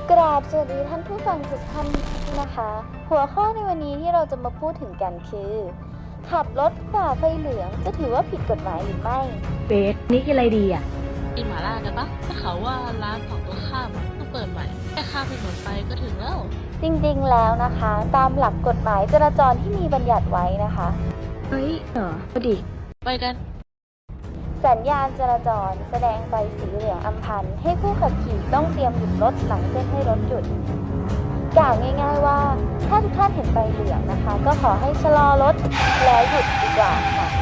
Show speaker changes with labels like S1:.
S1: กราบสวัสดีท่านผู้ฟังทุกท่านนะคะ หัวข้อในวันนี้ที่เราจะมาพูดถึงกันคือ ขับรถฝ่าไฟเหลืองจะถือว่าผิดกฎหมายหรือไม่
S2: เบสนี่กินอะไรดีอ่ะ
S3: กินหม่าล่ากันปะถ้าเขาว่าร้านฝั่งตัวข้ามต้องเปิดใหม่แค่ข้ามถนนไปก็ถึงแล้ว
S1: จริงๆแล้วนะคะ ตามหลักกฎหมายจราจรที่มีบัญญัติไว้นะคะ
S2: เฮ้ยพอดี
S3: ไปกัน
S1: สัญญาณจราจรแสดงไฟสีเหลืองอัมพันธ์ให้ผู้ขับขี่ต้องเตรียมหยุดรถหลังเส้นให้รถหยุดกล่าวง่ายๆว่าถ้าทุกท่านเห็นไฟเหลืองนะคะ ก็ขอให้ชะลอรถแล้วหยุดดีกว่าค่ะ